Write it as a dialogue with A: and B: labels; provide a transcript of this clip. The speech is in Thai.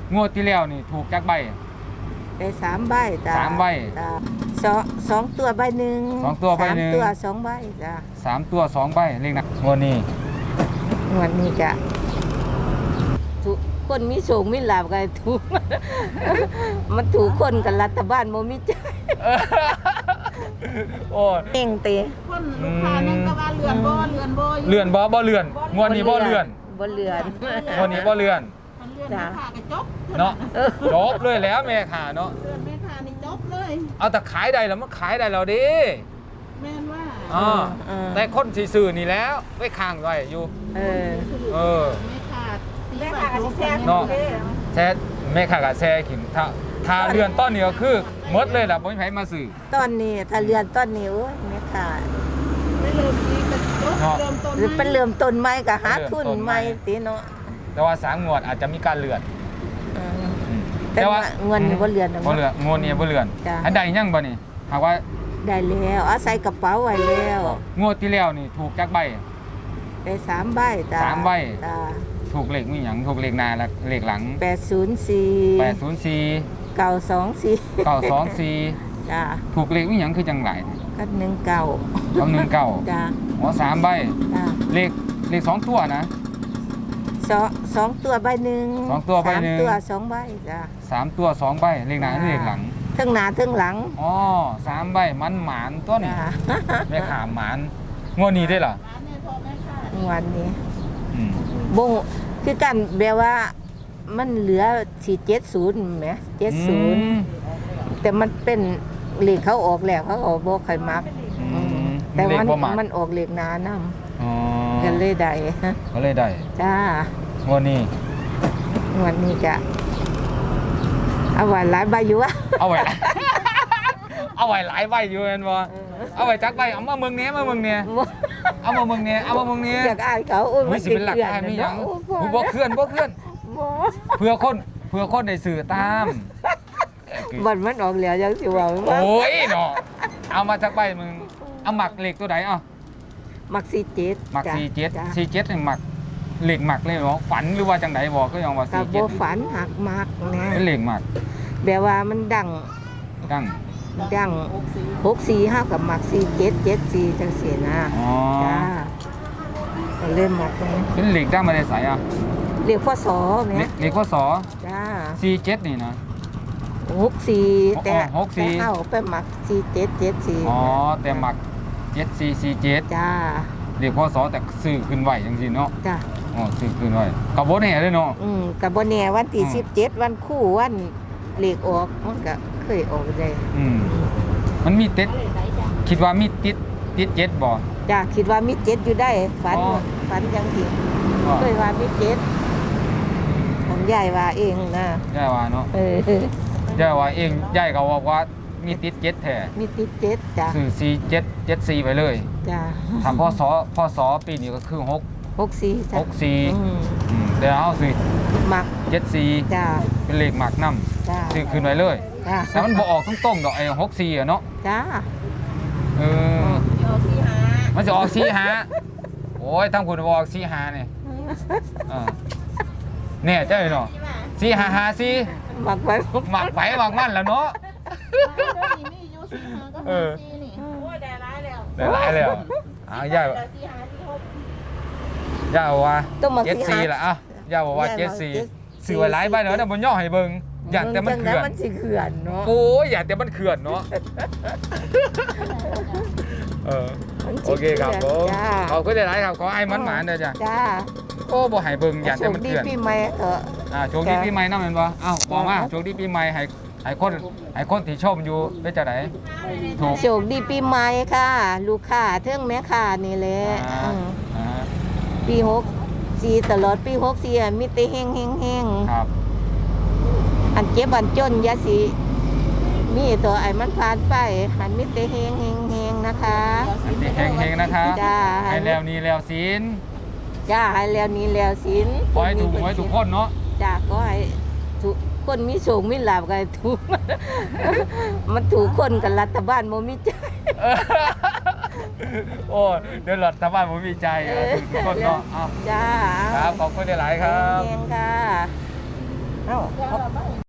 A: งวดที่แล้วนี่ถูกจักใบ
B: ได้3 ใบจ้า
A: 3 ใบ
B: จ้าสองตัวใบหนึ่ง
A: 2 ตัวใบหนึ่ง
B: 3 ตัว 2 ใบจ้า
A: 3 ตัว 2 ใบเลขหนักงวดนี้
B: วันนี้จะทุกคนมีโชคมีลาภกันถูก มันถูกคนกับรัฐบาลบ่มีใจ
A: โอ้
B: เองเตะ
C: คนลูกค้านั่นก็ว่าเลื่อนบ่อยู่
A: เลื่อนบ่เลื่อนงวดนี้บ่เลื่อน
B: บ่เลื่อน
A: งวดนี้บ่เลื่อน
C: มันเลื่อนแม่ค้าก็จบ
A: เนาะจบเลยแล้วแม่ค่ะเนาะ
C: เลื่อนแม่ค้านี่จบเลย
A: เอาแต่ขายได้แล้วมันขายได้แล้วดิ
C: แม่นว่า
A: อ๋อแต่คนสิซื้อนี่แล้วไว้ข้างไว้อยู่
B: เออ
A: เออ
C: แม่ค้าก็สิแซ่บ
A: เนาะแซ่แม่ค่ะก็แซ่กินถ้าเลื่อนต้นนี้ก็คือหมดเลยล่ะบ่มีไผมาซื้อ
B: ตอนนี้ถ้าเลื่อนตอนนี้โอ้ยแม่ค่ะ
C: ไม่เริ่มนี้ก็จบ
A: เนาะ
C: เริ่มต้น
B: หรือเป็นเริ่มต้นใหม่ก็หาทุนใหม่ติเนาะ
A: แต่ว่า3งวดอาจจะมีการเลื่อน
B: เออแต่ว่าเงินนี่บ่เลื่อนดอก
A: บ่เลื่อนงวดนี้บ่เลื่อน
B: จ้ะ
A: อันใดยังบ่นี่หากว่า
B: ได้แล้วเอาใส่กระเป๋าไว้แล้ว
A: งวดที่แล้วนี่ถูกจักใบ
B: ได้3 ใบจ้า
A: 3 ใบ
B: จ้า
A: ถูกเลขมีหยังถูกเลขหน้าและเลขหลัง
B: 804
A: 804
B: 924
A: 924
B: จ้า
A: ถูกเลขมีหยังคือจังหลาย
B: ก็19
A: เอา19
B: จ้า
A: อ๋อ3ใบ
B: จ้า
A: เลข2ตัวนะ
B: สองตัวใบหนึ่ง
A: สองตัวใบหนึ่ง
B: 3 ตัว 2 ใบจ้า
A: 3ตัว2ใบเลขหน้าเลขหลัง
B: ทั้งหน้าทั้งหลัง
A: อ๋อ3ใบมันหมานตัวนี้
B: จ้า
A: แม่ขามหมานงวดนี้ได้เหรอ
C: ร้านเนี่ยพอแม่ค้า
B: วันนี้
A: อืม
B: บงคือกันแบบว่ามันเหลือ470แหม
A: อืม
B: 70แต่มันเป็นเลขเขาออกแล้วเขาออกบ่ค่อยมัก
A: อืม
B: แต่
A: เลขบ่มัก
B: มันออกเลขหน้านำ
A: อ๋อ
B: กันเลยได้
A: ก็เลยได้
B: จ้าง
A: วดนี้
B: วันนี้จะเอาไว้หลายใบอยู่วะ
A: เอาไว้ เอาไว้หลายใบอยู่แม่นบ่เอาไว้จักใบเอามาเมืองนี้มาเมืองนี้เอามาเมืองนี้เอามาเมืองนี้
B: อยากอายเขาโอ้ย
A: ไม่สิเป็นหลักได้ไม่ยัง
B: โอ้
A: บ่เคลื่อน
B: บ่
A: เพื่อคนได้สื่อตาม
B: บัดมันออกแล้วยังสิว่า
A: โอ้ยเนาะเอามาจากใบมึงเอาหมักเหล็กตัวไหนเอา
B: มัก47
A: หมัก
B: จ้ะ
A: 47
B: จ้ะ
A: 47นี่หมักเหล็กหมักเลยเนาะฝันหรือว่าจังไดบอกก็ยังว่า
B: ก็บ่
A: 47
B: ฝันหักมักนะ
A: เป็นเหล็กหมัก
B: แบบว่ามันดัง
A: ดัง
B: 64 5กับมัก47 74จังซี่นะ
A: อ๋อ
B: จ้าก็เริ่มมักตรงนี้
A: เป็นเหล็กดังมาได้ใสอ่ะ
B: เรียกพ่อสอแหม
A: เหล็กข้อศอ
B: จ้า
A: 47นี่นะ
B: 64แต่
A: อ๋อ64
B: แต่เอาไปมัก47 74
A: อ๋อแต่หมัก7447
B: จ้า
A: เหล็กข้อศอแต่ซื้อขึ้นไว้จังซี่เนาะ
B: จ้า
A: อ๋อซื้อคืนไว้กับบ่แน่เลยเนาะ
B: กับบ่แน่วันที่
A: อืม
B: 17วันคู่วันเลขออกมันก็เคยออกได้
A: มันมีติดคิดว่ามีติดเจ็ดบ่
B: จ้าคิดว่ามี7อยู่ได้ฝัน
A: อ๋อ
B: ฝันจังซี่
A: อ๋อ
B: เคยว่ามี7ผมยายว่าเองนะ
A: ย่าว่าเนาะ ย่าว่าเองย่ายก็บอกว่ามีติดเจ็ดแท้
B: มีติด7จ้า
A: ซื้อ4774ไปเลย
B: จ้า
A: ทำพศปีนี้ก็คือ
B: 64จ้า
A: 64แต่เอาซื้อ
B: มัก
A: 74
B: จ้า
A: เป็นเลขหมักนำ
B: จ้า
A: ซื้อคืนไว้เลย
B: จ้า
A: แต่มันบ่ออกตรงๆดอกไอ้64อ่ะเนาะ
B: จ้า
A: เออ
C: โยสิหา
A: มันจะออก45โอ้ยทั้งคุณบ่ออก45นี่เนี่ยเจ้าเนาะ4554
B: มักไว้
A: หมักไปหมักมันแล้วเนาะ
C: เดี๋ยวนี้มีอยู่สิหาก็หาซีนี่โอ้ยได้ร้ายแล้ว
A: ได้หลายแล้วย่า
C: เดี๋ยวสิหาที่พบ
A: ย่าว่า
B: ต้องมา
A: 74ล่ะย่าบอกว่า74ซื้อไว้หลายใบเนาะแต่บ่ย่อให้เบิ่งอยากแต่มันเขื่อน
B: มันสิเขื่อนเนาะ
A: โอ้ยอยากแต่มันเขื่อนเนาะโอเคครับผม
B: จ้า
A: ขอบคุณหลายๆครับขอให้มันหมานเด้อจ้ะ
B: จ้า
A: โอ้บ่ให้เบิ่งอยากแต่มัน
B: โชคดี
A: เขื่อน
B: ปีใหม่เถอะ
A: โชคดีปีใหม่นำแม่นบ่อ้าวบอกมาโชคดีปีใหม่ให้คนที่ชมอยู่เป็นจังได๋ถูก
B: โชคดีปีใหม่ค่ะ ลูกค้าเทิงแม่ค้านี่แหละ ปี64ตลอดปี64อะมีแต่เฮง
A: ครับ
B: ๆอันเจ็บอันจนอย่าสิมีตัวไอ้มันผ่านไปหันมีแต่เฮงๆนะคะ
A: อันนี้เฮงๆนะคะ
B: จ้า
A: ให้แล้วนี้แล้วศีล
B: จ้าให้แล้วนี้แล้วศีล
A: ขอให้ถูกหวยทุกคนเนาะ
B: จ้าก็ให้ทุกคนมีโชคมีลาภกันถูก มันถูกคนกับรัฐบาลบ่มีใจ
A: โอ้เดี๋ยวรัฐบาลผมมีใจถูกทุกคนเนาะเอา
B: จ้า
A: ครับขอบคุณหลายๆครับ
B: เฮงๆค่ะเอ้า
C: เดี๋ยวเราไป